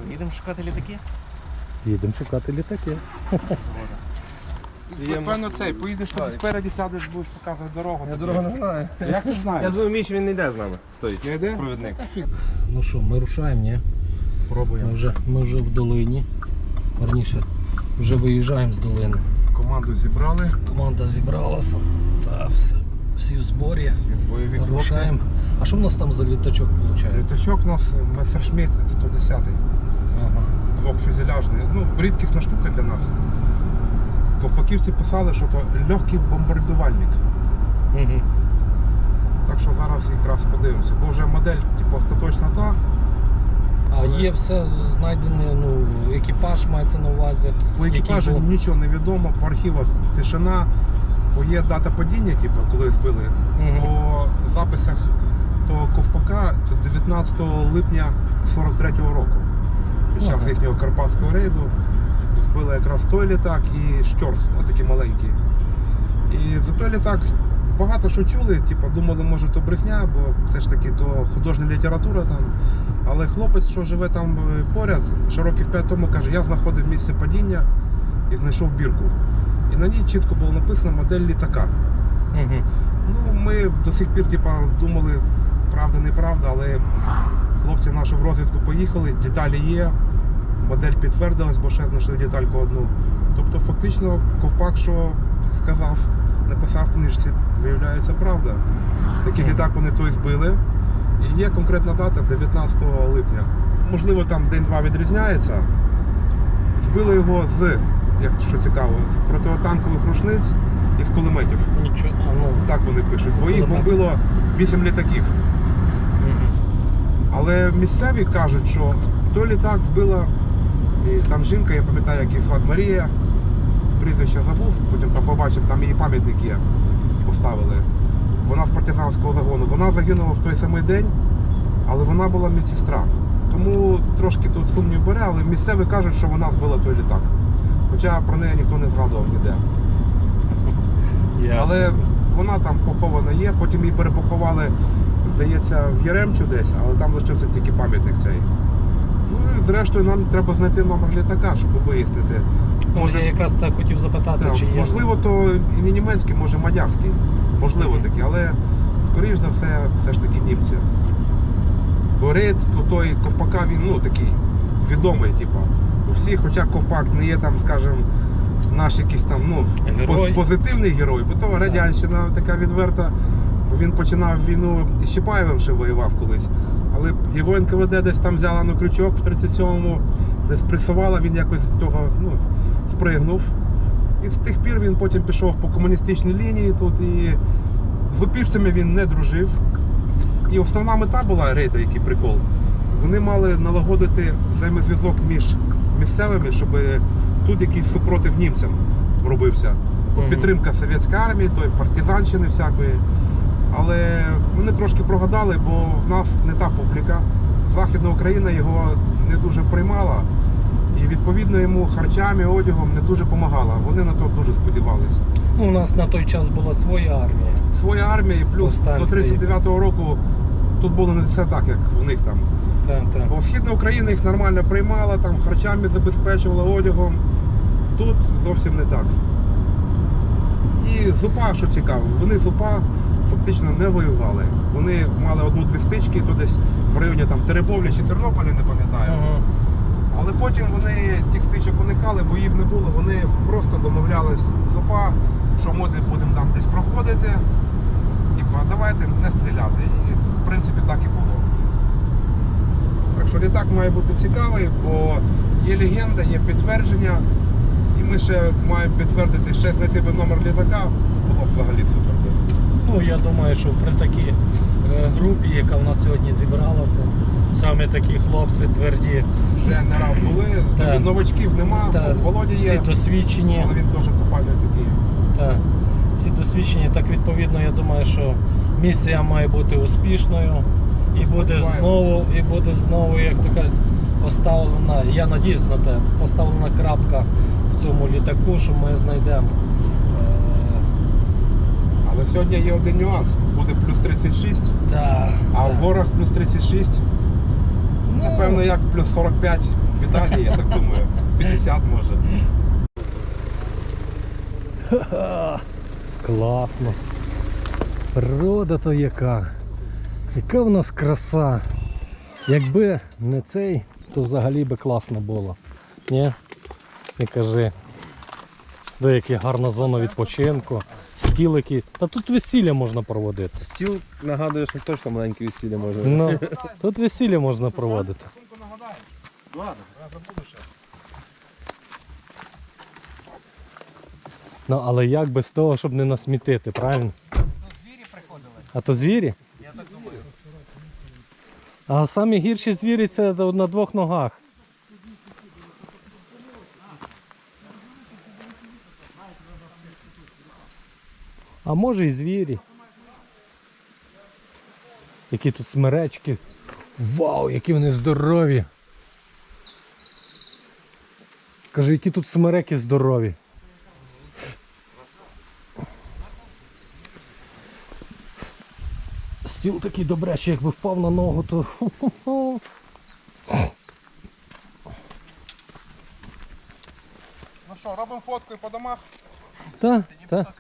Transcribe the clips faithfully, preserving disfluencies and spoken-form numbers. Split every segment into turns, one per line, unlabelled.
Що, їдемо шукати літаки?
Їдемо шукати літаки.
Ти, певно, цей, поїдеш тобі спереді, сядеш, будеш показувати дорогу.
Я дорогу не знаю.
Як не знаєш?
Я думаю, Міш, він не йде з нами. Той
Не йде?
провідник.
Ну що, ми рушаємо, ні?
Пробуємо.
Ми вже, ми вже в долині. Верніше, вже виїжджаємо з долини.
Команду зібрали.
Команда зібралася. Та все, всі в зборі.
Бойові хлопці.
Рушаємо. А що в нас там за літачок виходить?
Літачок у нас Мессершмітт сто десять.
Ага.
Двохфюзеляжний. Ну, рідкісна штука для нас. Ковпаківці писали, що то легкий бомбардувальник.
Угу.
Так що зараз якраз подивимося. Бо вже модель типу, остаточна та.
А є все знайдене, ну, екіпаж мається на увазі.
По екіпажу
який був-
нічого не відомо, по архівах тишина, бо є дата падіння, типу, коли збили.
Мгм.
По записах того ковпака то дев'ятнадцятого липня сорок третього року. Під час
Ага.
їхнього карпатського рейду збили якраз той літак і Штьорх, отакий маленький. І за той літак багато що чули, типу, думали, може то брехня, бо все ж таки то художня література там. Але хлопець, що живе там поряд, ще років п'ять тому каже, я знаходив місце падіння і знайшов бірку. І на ній чітко було написано модель літака.
Мгм.
Ну, ми до сих пір типу, думали, правда, неправда, але хлопці наші в розвідку поїхали, деталі є, модель підтвердилась, бо ще знайшли детальку одну. Тобто фактично ковпак, що сказав, написав в книжці, виявляється правда. Такий літак вони той збили. І є конкретна дата дев'ятнадцятого липня. Можливо, там день-два відрізняється. Збили його з, як що цікаво, з протитанкових рушниць і з кулеметів.
Нічого, а, ну.
Так вони пишуть, бо їх
Кулемет.
бомбило вісім літаків.
Мгм.
Але місцеві кажуть, що той літак збила, і там жінка, я пам'ятаю, як її звати Марія, прізвище забув, потім там побачив, там її пам'ятник є, поставили. Вона з партизанського загону. Вона загинула в той самий день, але вона була медсестра. Тому трошки тут сумнів бере, але місцеві кажуть, що вона збила той літак. Хоча про неї ніхто не згадував ніде.
Ясно.
Але вона там похована є, потім її перепоховали, здається, в Яремчу десь, але там лишився тільки пам'ятник цей. Ну і зрештою нам треба знайти номер літака, щоб вияснити.
Може, я якраз це хотів запитати,
Так,
чи є.
можливо, то і не німецький, може мадярський. Можливо такі, але скоріш за все, все ж таки німці. Бо рейд той ковпака, він ну такий відомий, типу. У всіх, хоча ковпак не є там, скажімо, наш якийсь там ну,
Герой.
по- позитивний герой, бо то радянщина така відверта, бо він починав війну із Чапаєвим ще воював колись. Але його ен ка ве де десь там взяла на крючок в тридцять сьомому, десь пресувала, він якось з того ну, спригнув. І з тих пір він потім пішов по комуністичній лінії тут і з упівцями він не дружив. І основна мета була рейду, який прикол. Вони мали налагодити взаємозв'язок між місцевими, щоб тут якийсь супротив німцям робився. Бо
Мгм.
підтримка совєтської армії, той партизанщини всякої. Але вони трошки прогадали, бо в нас не та публіка. Західна Україна його не дуже приймала. І відповідно йому харчами, одягом не дуже допомагала. Вони на то дуже сподівалися.
Ну, у нас на той час була своя армія.
Своя армія, і плюс
Повстанська.
до тридцять дев'ятого року тут було не все так, як в них там.
Так, так.
Бо Східна Україна їх нормально приймала, там харчами забезпечувала, одягом. Тут зовсім не так. І з УПА, що цікаво, вони з УПА фактично не воювали. Вони мали одну-дві стички, то десь в районі там Теребовля чи Тернополя, не пам'ятаю.
Ага.
Але потім вони тих стичок уникали, боїв не було, вони просто домовлялись з УПА, що ми будемо там десь проходити, типа, давайте не стріляти. І в принципі так і було. Так що літак має бути цікавий, бо є легенда, є підтвердження, і ми ще маємо підтвердити, ще знайти би номер літака, було б взагалі супер.
Ну, я думаю, що при такій е, групі, яка в нас сьогодні зібралася, саме такі хлопці тверді,
Вже не раз були,
Так.
новачків нема,
та,
Володя
всі
є,
досвідчені.
але він теж купальник такий.
Так, всі досвідчені, так відповідно, я думаю, що місія має бути успішною і буде знову, і буде знову, як то кажуть, поставлена, я надіюсь на те, поставлена крапка в цьому літаку, що ми знайдемо. е,
Але сьогодні є один нюанс, буде плюс тридцять шість,
та,
а
та.
в горах плюс тридцять шість. Напевно, як плюс сорок п'ять в Італії, я так думаю. п'ятдесят може.
Класно. Природа то яка. Яка в нас краса. Якби не цей, то взагалі би класно було. Ні? Не кажи. Де яка гарна зона відпочинку, стілики. Та тут весілля можна проводити.
Стіл нагадує, що точно маленьке весілля може.
Ну, тут весілля можна проводити.
Ладно, я забуду ще.
Ну, але як без того, щоб не насмітити, правильно?
Звірі приходили.
А то звірі?
Я так думаю.
А самі гірші звірі це на двох ногах. А може і звірі. Які тут смеречки. Вау, які вони здорові. Кажу, які тут смереки здорові. Стіл такий добрячий, якби впав на ногу, то...
Ну що, робимо фотку і по домах?
Та, та.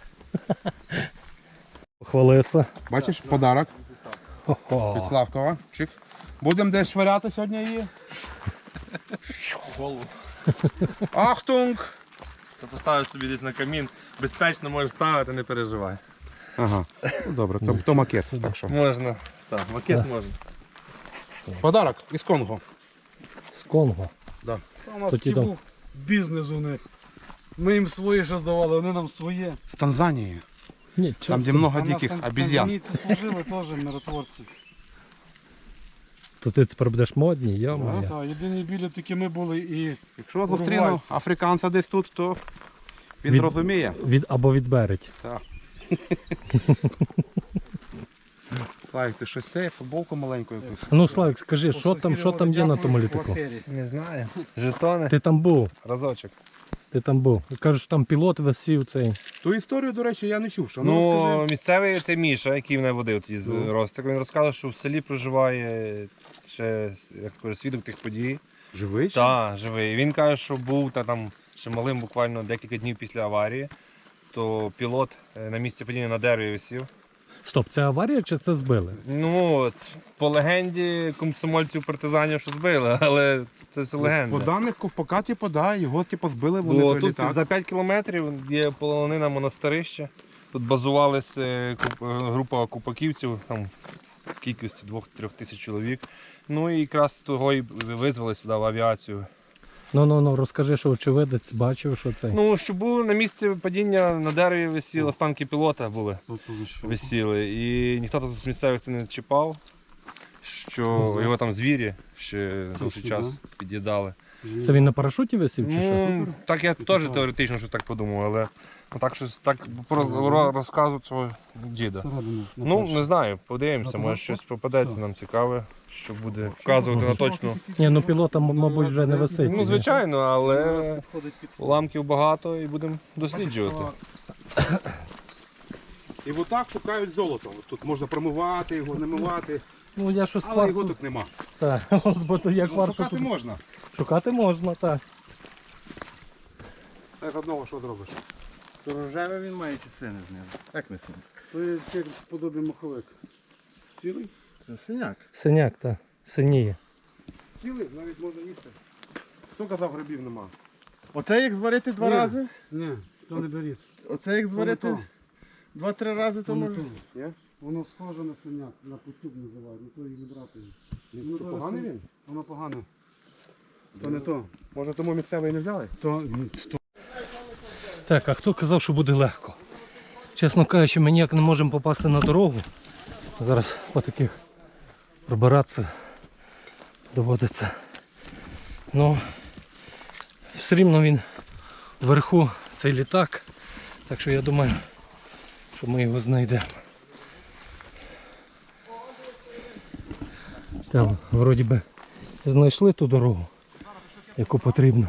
Хвалися.
Бачиш, подарок від
Хо-хо.
Славкова. Чик. Будемо десь швиряти сьогодні її.
Голову.
Ахтунг!
То поставиш собі десь на камін, безпечно можеш ставити, не переживай.
Ага, ну добре, то, то макет.
Сюди.
Так що.
Можна. Так, макет
Да.
можна.
Подарок із Конго.
З Конго.
Да.
У нас
Тоді
такий
там.
був бізнес у них. Ми їм своє ще здавали, вони нам своє.
З Танзанії.
Ні,
Там, де
чого?
много
А нас
диких
там
обезьян.
танзанійці служили теж миротворці.
То ти тепер будеш модній,
Ну,
йо-моє.
так, єдині білі такі ми були і
Якщо зустріну
Уругвайці.
африканця десь тут, то він
Від-
розуміє.
Від, або відберуть.
Так. Славік, ти щось це, футболку маленьку якусь.
Ну, Славік, скажи, що там, що там є на тому літаку?
Не знаю. Жетони.
Ти там був,
Разочок.
ти там був. Кажуть, там пілот висів цей.
Ту історію, до речі, я не чув. Що? Ну,
Ну,
розкажи.
місцевий це Міша, який мене водив тоді з
Ну.
Ростика. Він розказав, що в селі проживає ще як то кажуть, свідок тих подій.
Живий? ще?
Так, живий. Він каже, що був та там ще малим буквально декілька днів після аварії, то пілот е, на місці падіння на дереві висів.
Стоп, це аварія чи це збили?
Ну, от, по легенді комсомольців партизанів, що збили, але це все легенда.
По даних Ковпака, типу, да, його типу, збили, вони
Бо тут
прилітали.
за п'ять кілометрів є полонина монастирище. Тут базувалася е, куп- е, група купаківців, там в кількості двох-трьох тисяч чоловік. Ну і якраз того і визвали сюди в авіацію.
Ну, ну, ну, розкажи, що очевидець бачив, що це.
Ну, що було на місці падіння на дереві висіли, останки пілота були, висіли. І ніхто тут з місцевих це не чіпав, що його там звірі ще довший час під'їдали.
Це він на парашуті висів чи що?
Ну, так я теж теоретично щось так подумав, але ну, так щось так про- ро- розказують свого діда. Ну, не знаю, подивимося, може щось попадеться нам цікаве, що буде вказувати на точну.
Ні, ну пілота, м- мабуть, вже не висить.
Ну, звичайно, але
підходить під
уламків багато і будемо досліджувати.
І отак шукають золото. От тут можна промивати його, намивати,
Ну, я щось
але його
кварцу...
тут нема.
Так, от, бо то я
Ну,
кварцу
шукати
тут...
можна.
Шукати можна, так.
Та з одного що зробиш?
Рожеве він має чи сине з нього? Як не сине?
То є як подобі маховик. Цілий?
Це синяк.
Синяк, так. Синіє.
Цілий, навіть можна їсти. Хто казав, грибів нема?
Оце як зварити два
Ні.
рази?
Ні, то не беріть.
Оце як зварити
то.
два-три рази, то
То не
може.
то.
Ні?
Воно схоже на синяк, на потюб називають, ну то і не брати.
Ну,
то
поганий
син-
він?
Воно погане. То не то.
Може тому місцевий не взяли?
То, то
Так, а хто казав, що буде легко? Чесно кажучи, ми ніяк не можемо попасти на дорогу. Зараз по таких пробиратися доводиться. Ну, все рівно він вверху, цей літак. Так що я думаю, що ми його знайдемо. Там, вроді би, знайшли ту дорогу, яку потрібно.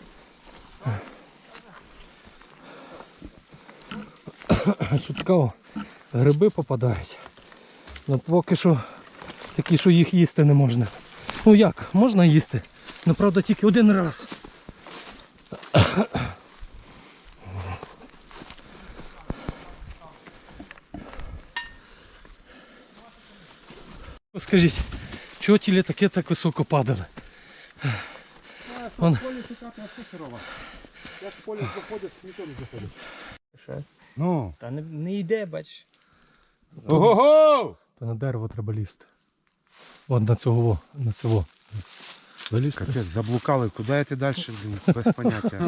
Що цікаво, гриби попадають. Ну поки що такі, що їх їсти не можна. Ну як, можна їсти? Ну правда тільки один раз. Скажіть, чого ті літаки так високо падали? Вон.
Як в полі заходять, ніхто не заходить.
Ну.
Та не, не йде, бач.
Ого-го!
То на дерево треба лізти. От на цього, на цього. Залізти.
Капець, заблукали, куди йти далі, блін, без поняття.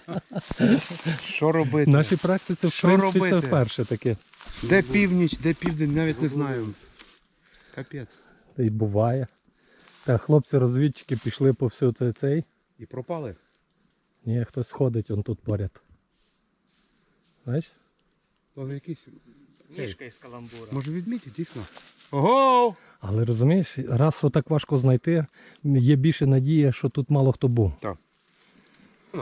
Що робити?
В нашій практиці, в
Що
принципі, це
робити?
вперше таке.
Де північ, де південь, навіть не знаю. Капець.
Та й буває. Та хлопці-розвідчики пішли по всю цей цей.
І пропали.
Ні, хтось ходить, он тут поряд. Знаєш?
То якийсь.
Мішка із каламбура.
Може відмітити, дійсно. Ого!
Але розумієш, раз отак важко знайти, є більше надія, що тут мало хто був.
Так. Ну.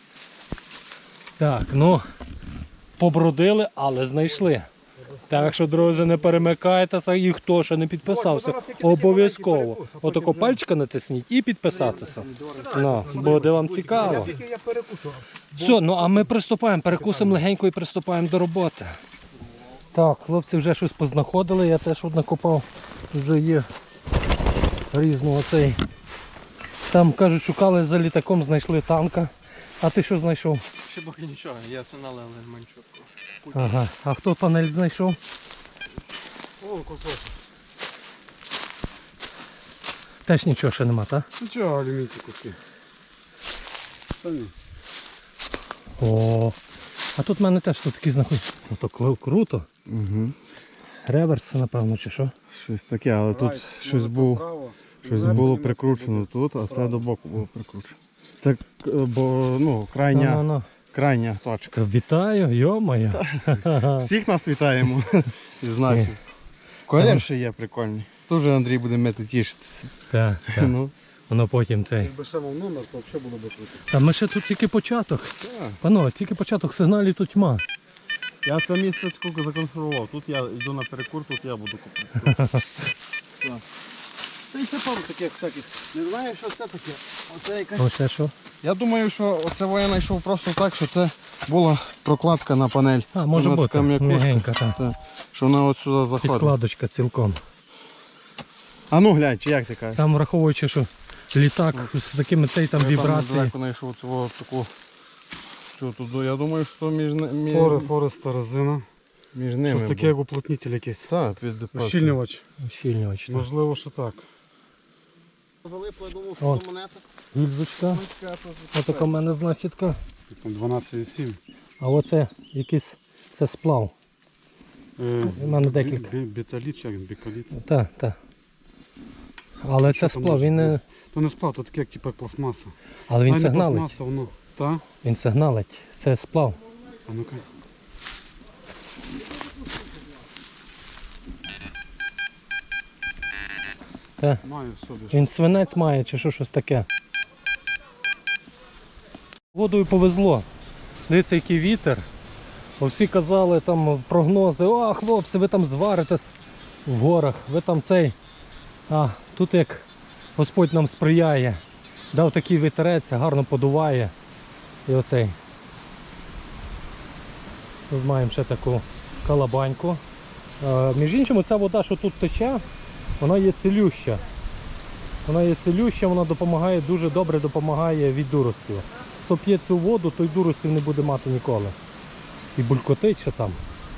Так, ну, побродили, але знайшли. Так що, друзі, не перемикайтеся, і хто ще не підписався, обов'язково. Отако пальчика натисніть і підписатися. Ну, буде вам цікаво.
Я перекушу.
Все, ну а ми приступаємо, перекусимо легенько і приступаємо до роботи. Так, хлопці вже щось познаходили, я теж от накопав, вже є різного цей. Там, кажуть, шукали за літаком, знайшли танка. А ти що знайшов?
Ще поки нічого, я сигнали манчук.
Ага, а хто панель знайшов?
О, кусочок.
Теж нічого ще нема, так?
Ну чого, алюмінні куски? Та ні.
О, а тут в мене теж тут такі знаходяться. Ну то кру- круто.
Угу.
Реверс, напевно, чи що?
Щось таке, але тут
Райт,
щось,
може,
був,
право.
щось
Зверху
було
німецьке
прикручено
буде.
тут, а це
Справа.
до боку було прикручено. Це к- бо, ну, крайня,
Ну-ну-ну.
крайня точка.
Вітаю, йо-моє.
Всіх нас вітаємо. І знаки. Колір ще є прикольний. Тут вже Андрій буде мити тішитися.
Так, так.
Ну,
Воно потім цей.
Якби ще мав номер, то взагалі було б круто.
Та ми ще тут тільки початок.
так.
Панове, тільки початок, сигналів тут тьма.
Я це містечко законсервував. Тут я йду на перекур, тут я буду купити.
Це і це пару таких всяких. Не знаю, що це таке. Оце якась.
Оце що?
Я думаю, що оце я знайшов просто так, що це була прокладка на панель.
А, може
Вона
бути.
така м'якушка.
М'ягенька, так.
Так, що вона от сюди заходить.
Підкладочка цілком.
А ну глянь, чи як ти кажеш?
Там враховуючи, що літак з такими цей там
Я
вібрації.
Там далеко знайшов цього таку. Що тут? Я думаю, що між, ни- між,
Фори, фореста резина.
між ними.
Щось таке, як уплотнитель якийсь.
Так, під
Ущільнювач.
Щільнювач. так.
Можливо, що так.
Залипло, я думав,
О.
що це монета.
Гільзочка. Отака в мене знахідка.
Там дванадцять і сім.
А оце якийсь це сплав.
Е,
У мене декілька.
бі- бі- Біталіт, чи як бікаліт.
Так, так. Але
Що
це
там
сплав,
може
він не.
бути? То не сплав, то таке, як типу пластмаса.
Але він
А, не
сигналить.
пластмаса, воно. Та?
Він сигналить. Це сплав.
А ну-ка.
Так.
Маю в собі.
Він свинець має чи що щось таке. Водою повезло. Дивіться, який вітер. Бо всі казали там прогнози, о, хлопці, ви там зваритесь в горах, ви там цей. А тут як Господь нам сприяє. Дав такий вітерець, гарно подуває. І оцей. Тут маємо ще таку калабаньку. Е, між іншим, ця вода, що тут тече, вона є цілюща. Вона є цілюща, вона допомагає, дуже добре допомагає від дуростів. Хто п'є цю воду, той дуростів не буде мати ніколи. І булькотить ще там.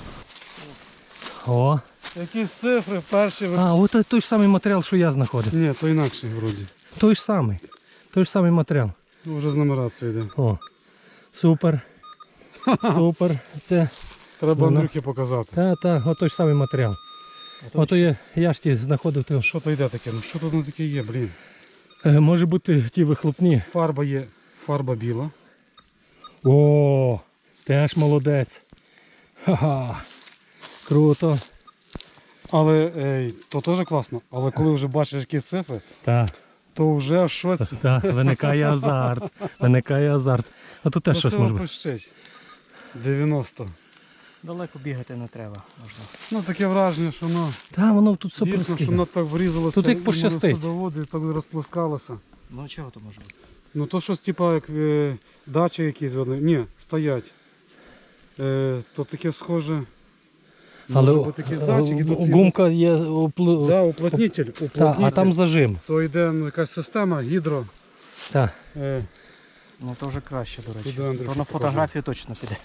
О!
Якісь цифри перші. ви-
А, от той, той ж самий матеріал, що я знаходив.
Ні, то інакший вроді.
Той ж самий. Той ж самий матеріал.
Ну, вже з нумерацією йде.
О. Супер. Супер. Це.
Треба
Ну,
Андрюхі показати.
Та, та, от той ж самий матеріал. Ото я, я ж ті знаходив. То,
Що то йде таке? Ну що тут на таке є, блін?
е, може бути ті вихлопні.
Фарба є, фарба біла.
О, теж молодець. Ха-ха. Круто.
Але ей, то теж класно. Але коли вже бачиш які цифри,
Так,
то вже щось
так, виникає азарт. Виникає азарт. А тут теж щось може бути.
пищить. дев'яносто.
Далеко бігати не треба. Можна.
Ну таке враження, що воно
Та воно тут все
дійсно, що
проскине.
воно так врізалося.
Тут як
і воно
пощастить.
садоводи, і так розплескалося.
Ну чого то може бути?
Ну то щось типа як е, дачі якісь вони. Ні, стоять. Е, то таке схоже.
Але
Може бути якісь датчики, тут
гумка є опли...
Да, уплотнитель,
Та,
уплотнитель.
а там зажим.
То йде ну, якась система, гідро.
Так.
Е,
Ну то вже краще, до речі.
Туди, Андрюша,
То на
покажи.
фотографію точно піде.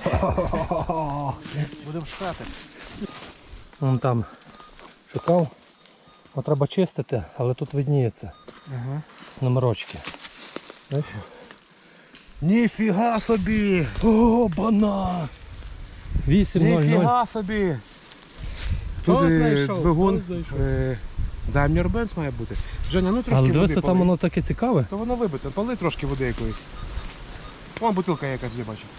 Будемо шукати.
Вон там шукав. От треба чистити, але тут видніється.
Ага.
Номерочки. Бачиш?
Ніфіга собі!
О, бана! вісім нуль нуль.
Ніфіга собі!
Хто
Тут е,
знайшов?
двигун
Хто знайшов?
е, Daimler Benz має бути. Женя, ну трошки
Але
води
дивися, там
полий.
воно таке цікаве.
То воно вибите, поли трошки води якоїсь. Вон бутилка якась, я бачу.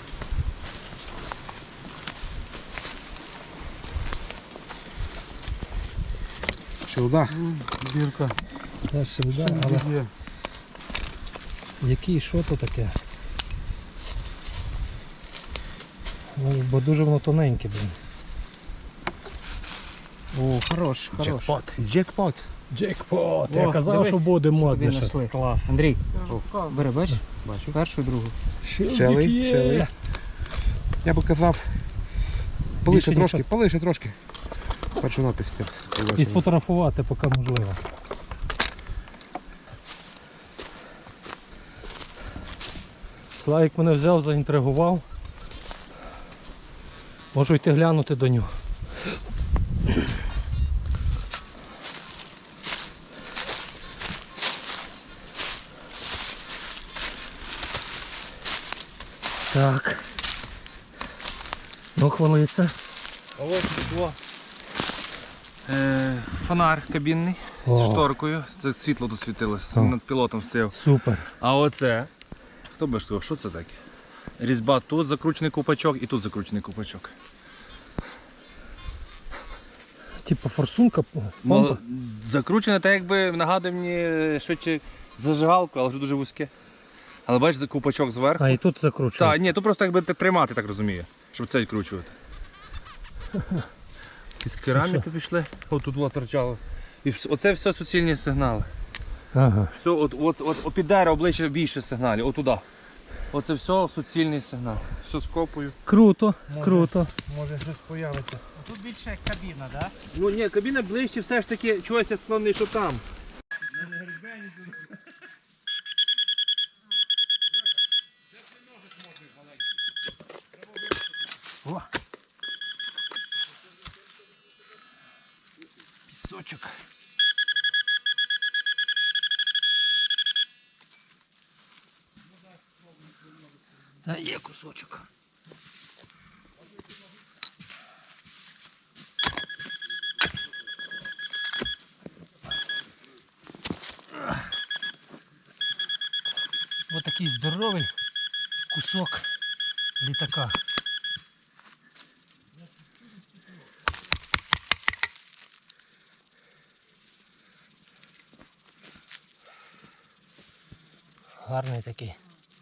Шилда.
бірка.
Та ще да, але
Є.
який, що то таке? Ну, бо дуже воно тоненьке, блін.
О, хорош, хорош.
Джекпот. Джекпот.
Джекпот!
О,
Я казав,
дивись,
що буде
Тобі
модне щось.
знайшли.
Клас.
Андрій,
О,
бери, бачиш?
Бачу.
Першу і другу.
Шилдик
Челий,
є!
челий. Я би казав, полише
Більше
трошки,
ніхто-
полише трошки. Першу напис.
І сфотографувати, поки можливо. Славік мене взяв, заінтригував. Можу йти глянути до нього. Так. Ну, хвалиться.
А ось тут е, фонар кабінний
О.
з шторкою. Це світло тут світилося,
О.
над пілотом стояв.
Супер.
А оце, хто би сказав, що це таке? Різьба тут закручений купачок і тут закручений купачок.
Типа форсунка, помпа.
Мол, закручене так якби нагадує мені швидше зажигалку, але вже дуже вузьке. Але бачиш, купачок зверху.
А і тут закручується.
Так, ні, тут просто якби тримати, так розумію, щоб це відкручувати. Якісь кераміки пішли, от тут було торчало. І вс- оце все суцільні сигнали.
Ага.
Все, от, от, от, от під дерево обличчя більше сигналів, отуда. Оце все суцільний сигнал. Все з копою.
Круто, круто.
Може щось появиться.
Тут більше як кабіна, так?
Ну ні, кабіна ближче все ж таки, чогось я склонний, що там.
Пісочок. Та є кусочок. Ось такий здоровий кусок літака. Гарний такий.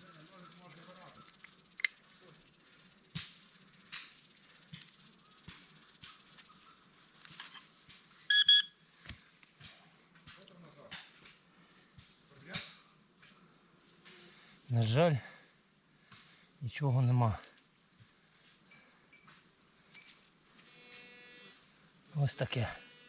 На жаль, нічого нема. Ось таке.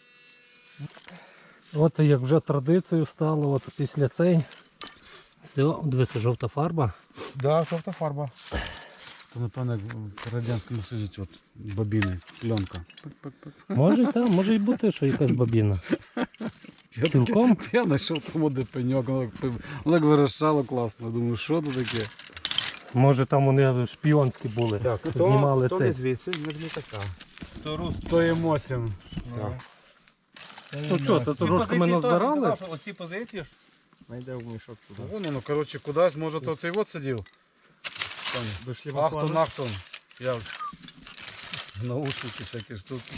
От як вже традицією стало, от після цей. Все, дивися, жовта фарба.
Да, жовта фарба.
То напевно як в Радянському Союзі от бобіни, пленка.
Може, так, може й бути, що якась бабіна. Цілком?
Я знайшов там один пеньок, воно як пи- воно як вирощало класно. Думаю, що це таке?
Може там вони шпіонські були.
Так,
Знімали
то
цей.
не звідси, не не така.
То є мосін.
Так.
Ну що, то трошки ми назбирали.
Оці позиції ж
Найде в мішок туди.
Вон воно, коротше, кудись, може, то ти от сидів. Ахтон, ахтон. Я в наушники всякі штуки.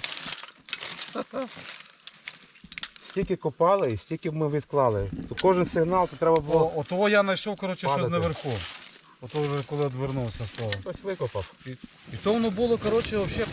Стільки копали і стільки ми відклали. То кожен сигнал, то треба було.
О, отого я знайшов, коротше, щось
Падати.
наверху. Ото вже коли відвернувся стало.
Хтось викопав.
І то воно було, коротше, взагалі.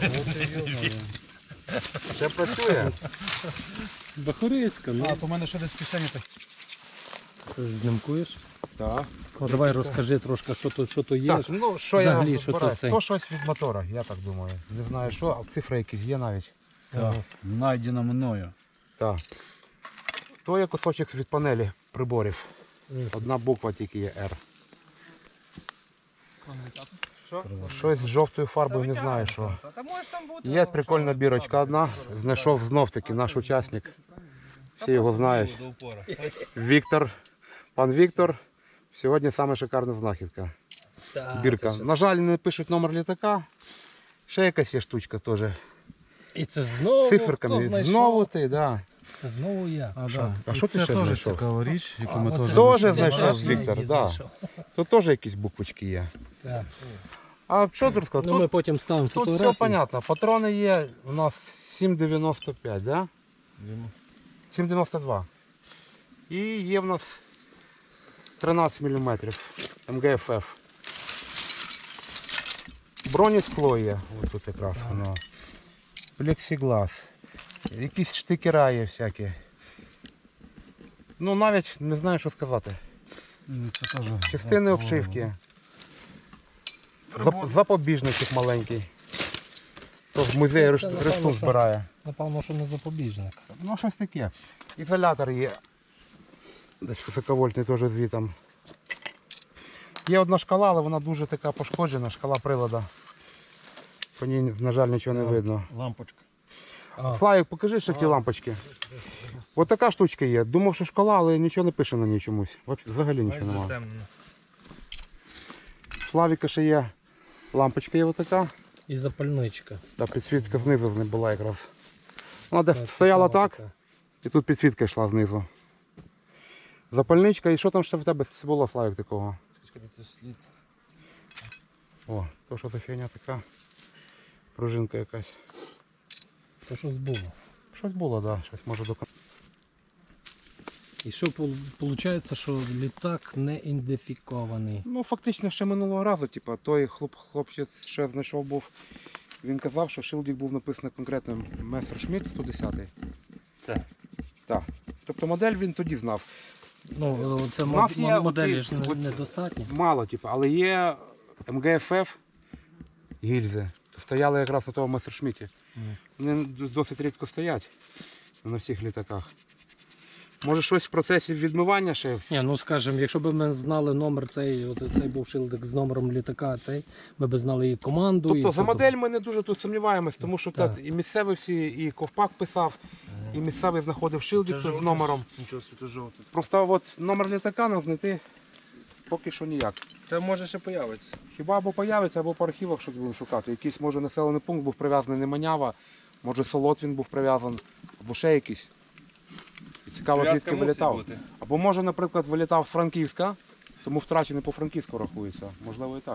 Ще працює.
Бахурицька, ну.
А, то в мене ще десь в кишені так.
Ти знімкуєш?
Так.
Ну, давай розкажи трошки, що то, що то є.
Так, ну що
Взагалі,
я
що
розбираю?
тут цей?
То щось від мотора, я так думаю. Не знаю що, а цифри якісь є навіть.
Так, знайдено мною.
Так. То є кусочок від панелі приборів.
Мгм.
Одна буква тільки є R. Щось з жовтою фарбою, не знаю що. Є прикольна бірочка одна. Знайшов знов таки наш учасник. Всі його знають. Віктор. Пан Віктор. Сьогодні саме шикарна знахідка. Бірка. На жаль, не пишуть номер літака. Ще якась є штучка теж.
І це знову
З
хто
циферками.
знайшов?
Знову ти, да.
Це знову я.
А,
Що?
да.
А
І
що ти
це
ще
теж
знайшов?
цікава річ, яку
А,
ми
оце
теж
Тоже
я
знайшов
бачив,
Віктор,
її
да.
знайшов.
Тут теж якісь буквочки є.
Так.
А що тут сказати?
Ну, ми
Тут,
потім ставимо
тут
фотографії.
все понятно. Патрони є у нас сім дев'яносто п'ять, да? сім дев'яносто два. І є в нас тринадцять міліметрів ем ге еф еф. Бронескло є, ось тут якраз воно. Плексіглас. Якісь штикера є всякі. Ну навіть не знаю, що сказати.
М, це теж.
Частини обшивки. Зап- Запобіжничок маленький. То з музею
Це,
реш-
напевно,
решту
що-
збирає.
Напевно, що не запобіжник.
Ну щось таке. Ізолятор є. Десь високовольтний теж звітом. Є одна шкала, але вона дуже така пошкоджена, шкала прилада. По ній, на жаль, нічого не видно.
Лампочка. А,
Славік, покажи ще ті лампочки. Ось така штучка є. Думав, що шкала, але нічого не пише на ній чомусь. Взагалі- Взагалі нічого немає. Славіка ще є. Лампочка є отака.
і запальничка.
Та підсвітка знизу не була якраз. Вона десь
Це
стояла
цікава
так,
така.
і тут підсвітка йшла знизу. Запальничка, і що там ще в тебе було, Славік, такого? О, то що за фігня така. Пружинка якась.
То щось було.
Щось було, так, да, щось може до
І що виходить, що літак не ідентифікований.
Ну, фактично ще минулого разу, типу, той хлоп, хлопчик ще знайшов був. Він казав, що шилдик був написано конкретно Мессершмітт сто десять.
Це?
Так. Тобто модель він тоді знав.
Ну, це
У нас
мод-
є
моделі
оті-
ж не-
от-
недостатньо.
Мало, типу, але є ем ге еф еф гільзи. Стояли якраз у того Мессершмітті.
Мгм.
Вони досить рідко стоять на всіх літаках. Може щось в процесі відмивання ще.
Ні, ну скажімо, якщо б ми знали номер цей, от цей був шилдик з номером літака, цей, ми б знали і команду. і
Тобто за
все.
модель ми не дуже тут сумніваємось, тому що
Так.
так, і місцеві всі, і ковпак писав, і місцевий знаходив шилдик з номером.
Нічого світу жовтий.
Просто от номер літака нам знайти поки що ніяк.
Та може ще появиться.
Хіба або появиться, або по архівах щось будемо шукати. Якийсь, може, населений пункт був прив'язаний не Манява, може Солот він був прив'язаний, або ще якийсь. І цікаво, звідки вилітав. Або може, наприклад, вилітав з Франківська, тому втрачений по Франківську рахується. Можливо і так.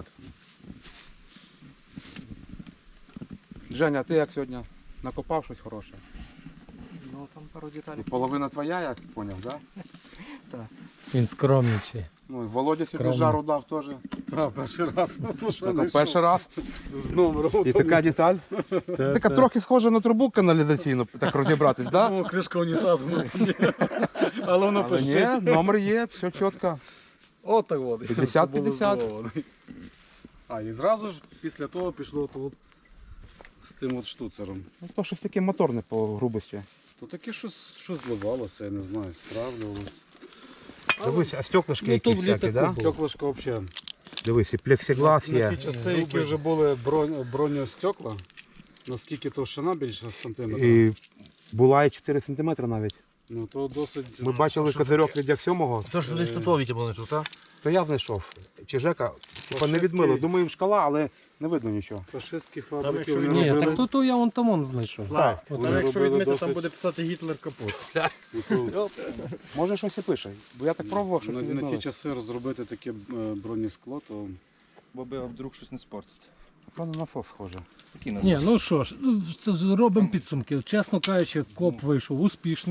Женя, ти як сьогодні накопав щось хороше?
Ну там пару
І
деталей.
половина твоя, я зрозумів, так? Да?
Він скромничий.
Ну і Володя сьогодні
Скромно.
жару дав теж.
Так, перший раз. Ну, то, що
Так,
знайшов.
перший раз.
З номером.
І така деталь. Така трохи схожа на трубу каналізаційну, так розібратись, так?
О, кришка унітазу. Ну, там є. Але воно
Але
пишить.
ні, номер є, все чітко.
От так от.
п'ятдесят п'ятдесят.
А, і зразу ж після того пішло тут з тим от штуцером.
Ну, то щось таке моторне по грубості.
То таке щось, щось зливалося, я не знаю, стравлювалося.
Дивись, а стеклишки
Ну,
якісь
то в
всякі,
літаку
так?
було.
Стеклишко взагалі.
Дивись, і плексиглас
На
є.
ті часи, які вже були бронь, броньостекла, наскільки товщина більше сантиметрів,
І була і чотири сантиметри навіть.
ну то досить.
Ми бачили козирьок від як сьомого,
То що десь тут Вітя був знайшов, так?
то я знайшов. Чи Жека, типа не
Фашистський-
відмили. Думаю, шкала, але не видно нічого.
Фашистські фабрики
якщо
вони
Ні,
робили.
так то, то я вон там он знайшов.
Так.
От
Вони
Там якщо
робили
відмити,
досить-
там буде писати Гітлер капут.
Ну, то
Може щось і пише, бо я так пробував, що
на,
не
на ті
відмили.
часи розробити таке е, бронескло, то
Бо би вдруг щось не спортить.
Воно на насос схоже.
Який нас?
Ні, ну що ж, ну, це робимо підсумки. Чесно кажучи, коп вийшов успішний.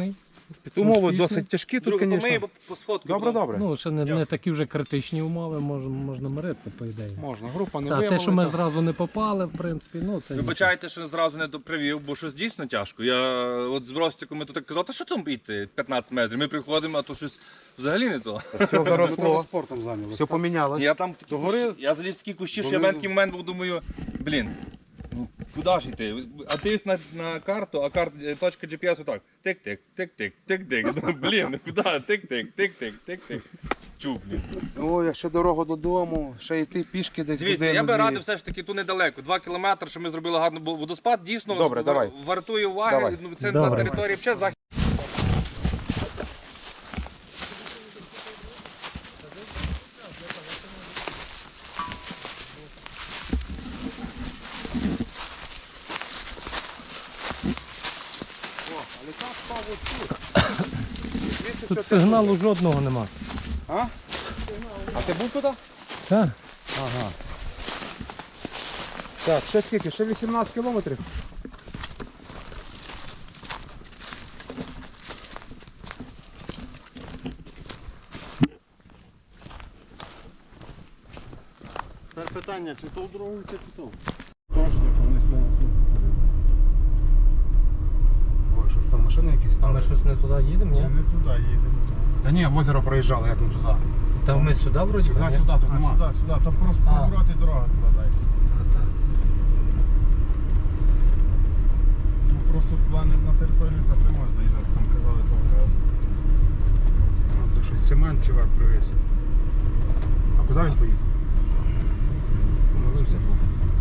Умови
Успішно.
досить тяжкі тут,
Друге, ми
звісно.
його по сфоткаю.
Добре, добре.
Ну, ще не, не такі вже критичні умови, можна, можна миритися, по ідеї.
Можна, група не
Та, те, що ми
виявила.
зразу не попали, в принципі, ну це.
Вибачайте, що зразу не привів, бо щось дійсно тяжко. Я от з Ростиком ми тут так казали, та що там йти п'ятнадцять метрів. Ми приходимо, а то щось взагалі не то.
Все заросло,
Спортом зайнялися.
все помінялось.
Я там такі
Догори-
кущі, я заліз в такі кущі, що я в
донизу.
мене такий момент був, думаю, блін, ну куди ж йти? А ти на, на карту, а карт, точка джі пі ес отак. Тик-тик, тик-тик, тик-тик. Думаю, блін, ну куди? Тик-тик, тик-тик, тик-тик. Чук, блін.
О, якщо дорога додому, ще йти пішки десь
Дивіться,
годину,
я би
дві.
радив все ж таки тут недалеко. Два кілометри, що ми зробили гарно, бо водоспад дійсно
Добре,
в-
давай.
вартує уваги.
Давай.
Ну, це
Добре.
на території ще захід.
Тут сигналу жодного нема.
А ти був туди?
Так.
Ага. Так, ще скільки? Ще вісімнадцять кілометрів.
Тепер питання, чи то в дорогу, чи то.
Ой, щось там машини якісь
А ми
стали.
щось не туди їдемо, ні?
Не туди їдемо.
Та ні, в озеро проїжджали, як не туди.
Та ми сюди вроді.
Сюди,
ні?
сюди, тут
А,
нема.
сюди, сюди, там просто
А.
поворот і дорога туди далі. Ну просто туди не на територію так не можна заїжджати, там казали того.
А, то щось цемент чувак привіз. А куди він поїхав? Помилився був.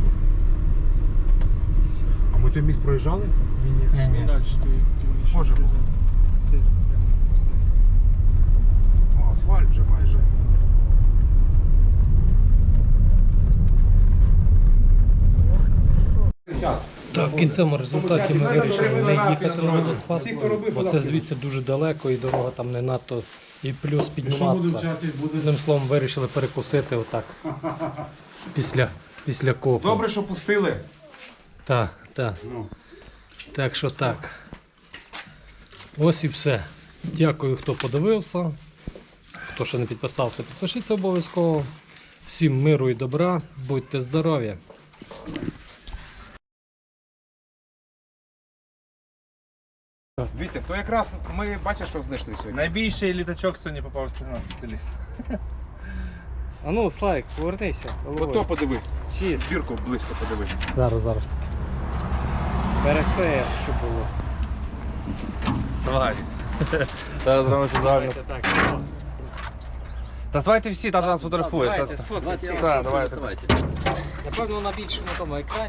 А ми той міст проїжджали?
Ні, ні.
Схоже був. О, асфальт вже майже.
Так, в кінцевому результаті ми вирішили не їхати на водоспад,
Всі, хто робив,
бо це
будь
звідси дуже далеко і дорога там не надто, і плюс підніматися.
вчати, буде
Одним словом, вирішили перекусити отак. з- Після, після копу.
Добре, що пустили.
Так, так.
Ну.
Так що так. Ось і все. Дякую, хто подивився. Хто ще не підписався, підпишіться обов'язково. Всім миру і добра, будьте здорові!
Вітя, то якраз ми бачиш, що знайшли сьогодні.
Найбільший літачок сьогодні попався на селі.
А ну, Слайк, повернися.
Ото подиви.
Чист.
Бірку близько подиви.
Зараз, зараз. Пересе, що було.
Вставай. Зараз зробимо все правильно.
Так,
Та звайте всі, тата нас фотографує.
Давайте,
Та-
сфоткайте.
Так, давайте.
Напевно, на більшому тому екрані.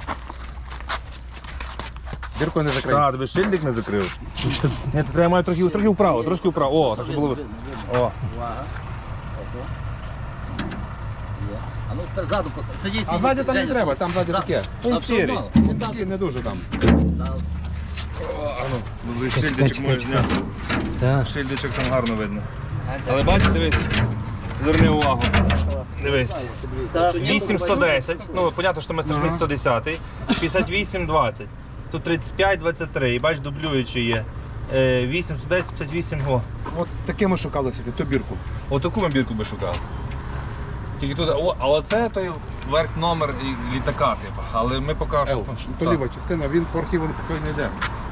Бірку не закрий.
Так, тобі шильдик не закрив. Ні, то треба мати трохи, трохи вправо, трошки вправо. О, так щоб було. ви- О.
Увага. Ото. Є. А ну тепер ззаду постав. Сидіть,
А
сидіть.
ззаді там не
Женя,
треба, там ззаді
За-
таке.
А
Він
все
сірий.
мало.
Він такий не дуже там.
Да.
Ну, шильдичок
чекай,
можеш зняти.
Так.
Шильдичок там гарно видно. Але бачиш, дивись, зверни увагу. Дивись. вісім сто десять, ну, понятно, що ми стежимо сто десять, п'ятдесят вісім двадцять. Тут тридцять п'ять двадцять три, і бач, дублюючи є. Е, вісім сто десять, п'ятдесят вісім, о.
От таке ми шукали собі, ту бірку.
Отаку ми бірку би шукали. Тільки тут, о, а оце той верх номер і- літака, типу. Але ми поки що.
Ел, то
Так.
ліва частина, він по архіву поки не йде.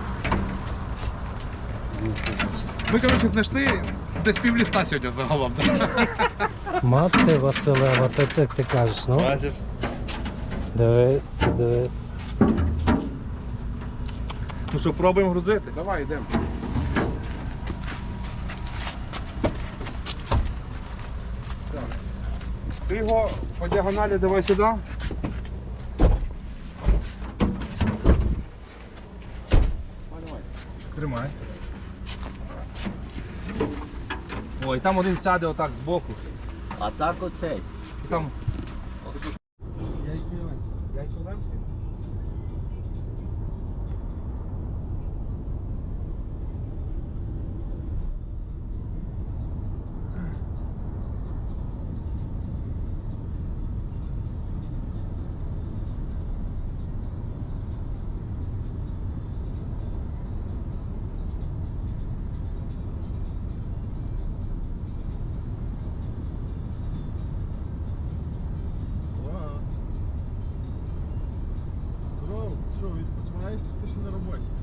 Ми, коротше, знайшли десь пів ліста сьогодні загалом.
Мати Василева, ти, ти, ти кажеш, ну?
Бачиш?
Дивись, дивись.
Ну що, пробуємо грузити?
Давай, йдемо. Ти його по діагоналі давай сюди.
Тримай. Ой, там один сяде отак збоку.
А так оцей.
І там
Яйко-Ленський.
ти ще на роботі.